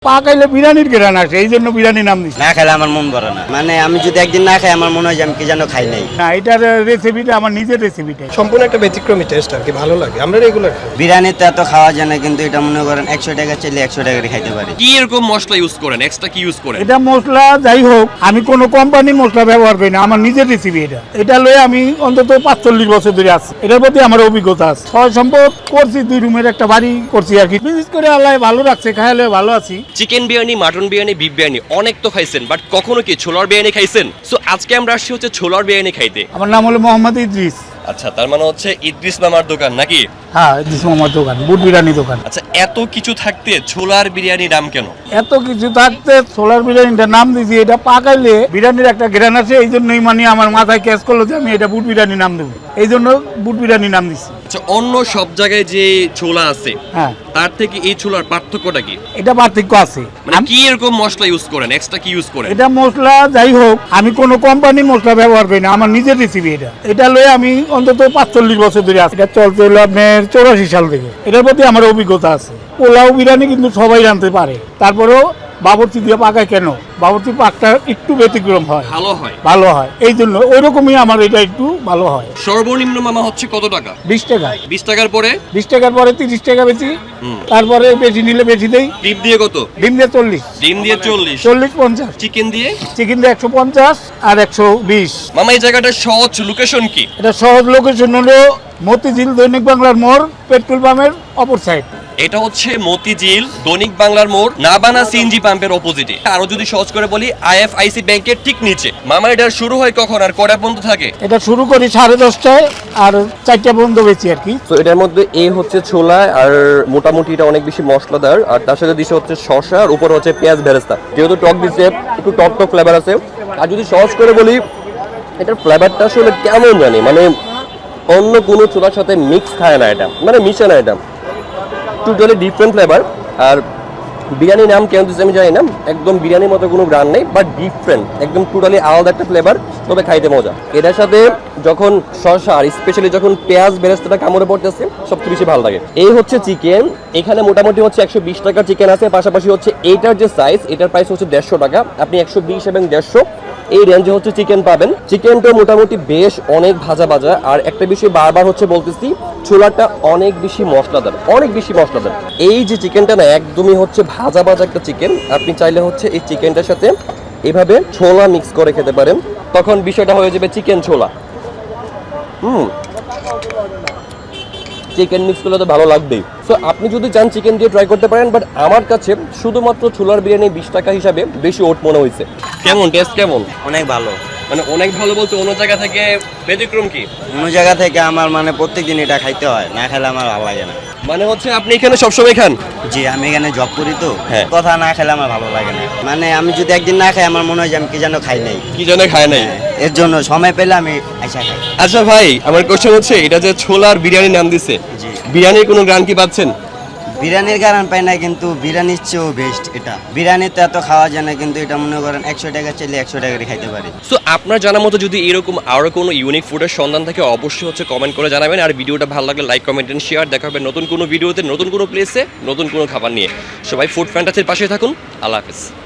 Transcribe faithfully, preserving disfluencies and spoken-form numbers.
পাকাইলে বিরিয়ানির ঘেরান আসে, এই জন্য বিরিয়ানি নাম দিচ্ছি। না খেলে আমার মন ভরে না, মানে আমি যদি একদিন না খাই আমার মনে হয় যে আমি কি যেন খাই নাই। না, এটার রেসিপিটা আমার নিজের রেসিপিটা। সম্পূর্ণ একটা ব্যতিক্রমী টেস্ট আর কি, ভালো লাগে। আমরা রেগুলার খাই। বিরিয়ানিতে এত খাওয়া যায় না, কিন্তু এটা মনে করেন একশো টাকা চাইলে একশো টাকারই খাইতে পারি। কি এরকম মশলা ইউজ করেন, এক্সট্রা কি ইউজ করেন? এটা মশলা যাই হোক, আমি কোনো কোম্পানির মশলা ব্যবহার করি না, আমার নিজের রেসিপি এটা। এটা লয়ে আমি অন্তত পাঁচচল্লিশ বছর ধরে আছি, এটার প্রতি আমার অভিজ্ঞতা আছে। ছয় সম্পদ করছি, দুই রুমের একটা বাড়ি করছি আর কি। বিশেষ করে আল্লাহ ভালো রাখছে, খাইলে ভালো আছি। Chicken biryani, mutton biryani, beef biryani অনেক তো খাইছেন, বাট কখনো কি ছোলার বিরিয়ানি খাইছেন? সো আজকে আমরা আসছি হচ্ছে ছোলার বিরিয়ানি খাইতে। আমার নাম হলো মোহাম্মদ ইদ্রিস। আচ্ছা, তার মানে হচ্ছে ইদ্রিস মামার দোকান নাকি? হ্যাঁ, ইদ্রিস মামার দোকান, বুট বিরিয়ানি দোকান। আচ্ছা, এত কিছু থাকতে ছোলার বিরিয়ানি নাম কেন? এত কিছু থাকতে সোলার বিরিয়ানিটা নাম দিয়েছি। এটা পাকাইলে বিরিয়ানির একটা ঘেরান আছে, এই জন্যই মানে আমার মাথায় ক্যাচ করলো যে আমি এটা বুট বিরিয়ানি নাম দেবো, এই জন্য বুট বিরিয়ানি নাম দিচ্ছি। আচ্ছা, অন্য সব জায়গায় যে ছোলা আছে হ্যাঁ, তার থেকে এই ছোলার পার্থক্যটা কি? এটা পার্থক্য আছে। মানে আম- কি এরকম মশলা ইউজ করেন, এক্সট্রা কি ইউজ করেন? এটা মশলা যাই হোক, আমি কোনো কোম্পানির মশলা ব্যবহার করি না, আমার নিজের রেসিপি এটা। এটা লয়ে আমি অন্তত পাঁচচল্লিশ বছর ধরে আছি। এটা চলতে হলো আপনার চৌরাশি সাল থেকে। এটার প্রতি আমার অভিজ্ঞতা আছে। পোলাও বিরিয়ানি কিন্তু সবাই রাঁধতে পারে, তারপরেও বাবরচি দিয়ে পাকায় কেন? বাবরচি পাকটা একটু ব্যতিক্রম হয়, ভালো হয়। ভালো হয়, এই জন্য ওই রকমই আমার এটা একটু ভালো হয়। সর্বনিম্ন মামা হচ্ছে কত টাকা? বিশ টাকা, বিশ টাকার পরে বিশ টাকার পরে তিরিশ টাকা বেশি, হুম। তারপরে বেশি নিলে বেশি দেই। ডিম দিয়ে কত? ডিম দিয়ে চল্লিশ, ডিম দিয়ে চল্লিশ, চল্লিশ পঞ্চাশ। চিকেন দিয়ে? চিকেন দিয়ে একশো পঞ্চাশ আর একশো বিশ। মামা এই জায়গাটার সহজ লোকেশন কি? এটা সহজ লোকেশন হলো মতিঝিল দৈনিক বাংলার মোড়, পেট্রোল পাম্পের অপর সাইড। এটা হচ্ছে মতিঝিল দৈনিক বাংলার মোড়, নাবানা সিএনজি পাম্পের অপোজিটে। আরো যদি সহজ করে বলি, আইএফআইসি ব্যাংকের ঠিক নিচে। মামা এটা শুরু হয় কখন আর কটা পর্যন্ত থাকে? এটা শুরু করি সাড়ে দশটায় আর চারটা পর্যন্ত বেশি আর কি। তো এটার মধ্যে এই হচ্ছে ছোলা, আর মোটামুটি এটা অনেক বেশি মশলাদার, আর তার সাথে দিছে হচ্ছে শসা, আর উপর হচ্ছে পেঁয়াজ বেরেস্তা। যেহেতু টক দিচ্ছে, একটু টক টক ফ্লেভার আছে। আর যদি সহজ করে বলি, এটার ফ্লেভারটা আসলে কেমন জানি, মানে অন্য কোনো ছোলার সাথে মিক্স খায় না এটা, মানে মিশে না এটা, টোটালি ডিফারেন্ট ফ্লেভার। আর বিরিয়ানির নাম কেন দিচ্ছে আমি জানি না, একদম বিরিয়ানির মতো কোনো ব্র্যান্ড নেই, বাট ডিফারেন্ট, একদম টোটালি আলাদা একটা ফ্লেভার, তবে খাইতে মজা। এটার সাথে যখন শসা আর স্পেশালি যখন পেঁয়াজ বেরেস্তাটা কামড়ে পড়তেছে, সবচেয়ে বেশি ভালো লাগে। এই হচ্ছে চিকেন, এখানে মোটামুটি হচ্ছে একশো বিশ টাকার চিকেন আছে, পাশাপাশি হচ্ছে এইটার যে সাইজ, এটার প্রাইস হচ্ছে দেড়শো টাকা। আপনি একশো বিশ এবং দেড়শো এই রেঞ্জে হচ্ছে চিকেন পাবেন। চিকেনটা মোটামুটি বেশ অনেক ভাজা ভাজা, আর একটা বিষয় বারবার হচ্ছে বলতেছি, ছোলাটা অনেক বেশি মশলাদার, অনেক বেশি মশলাদার। এই যে চিকেনটা না, একদমই হচ্ছে ভাজা ভাজা একটা চিকেন। আপনি চাইলে হচ্ছে এই চিকেনটার সাথে এভাবে ছোলা মিক্স করে খেতে পারেন, তখন বিষয়টা হয়ে যাবে চিকেন ছোলা। হুম, চিকেন মিক্স করলে তো ভালো লাগবেই। সো আপনি যদি চান চিকেন দিয়ে ট্রাই করতে পারেন, বাট আমার কাছে শুধুমাত্র ছোলার বিরিয়ানি বিশ টাকা হিসাবে বেশি ওট মনে হয়েছে। কেমন টেস্ট, কেমন? অনেক ভালো। মানে অনেক ভালো বলতে অন্য জায়গা থেকে ব্যতিক্রম কি? অন্য জায়গা থেকে আমার মানে প্রত্যেকদিন এটা খাইতে হয়, না খেলে আমার ভালো লাগে না। মানে হচ্ছে আপনি এখানে সবসময় খান? জি, আমি এখানে জব করি তো, হ্যাঁ। কথা না খেলে আমার ভালো লাগে না, মানে আমি যদি একদিন না খাই আমার মনে হয় যে আমি কি যেন খাই নাই। কি জানে খায় নাই? এর জন্য সময় পেলে আমি আইসা খাই। আচ্ছা ভাই, আমার কোশ্চেন হচ্ছে, এটা যে ছোলার বিরিয়ানি নাম দিছে, জি। বিরিয়ানির কোনো গ্রান কি পাচ্ছেন? বিরিয়ানির কারণ পাই না, কিন্তু বিরিয়ানির চেয়েও বেস্ট এটা। বিরিয়ানিতে এত খাওয়া যায় না, কিন্তু এটা মনে করেন একশো টাকা চাইলে একশো টাকারই খাইতে পারি। সো আপনার জানা মতো যদি এরকম আরো কোনো ইউনিক ফুডের সন্ধান থাকে, অবশ্যই হচ্ছে কমেন্ট করে জানাবেন। আর ভিডিওটা ভালো লাগলে লাইক, কমেন্ট এন্ড শেয়ার। দেখা হবে নতুন কোনো ভিডিওতে, নতুন কোনো প্লেসে, নতুন কোনো খাবার নিয়ে। সবাই ফুড ফ্যান্টাসির পাশে থাকুন। আল্লাহ হাফেজ।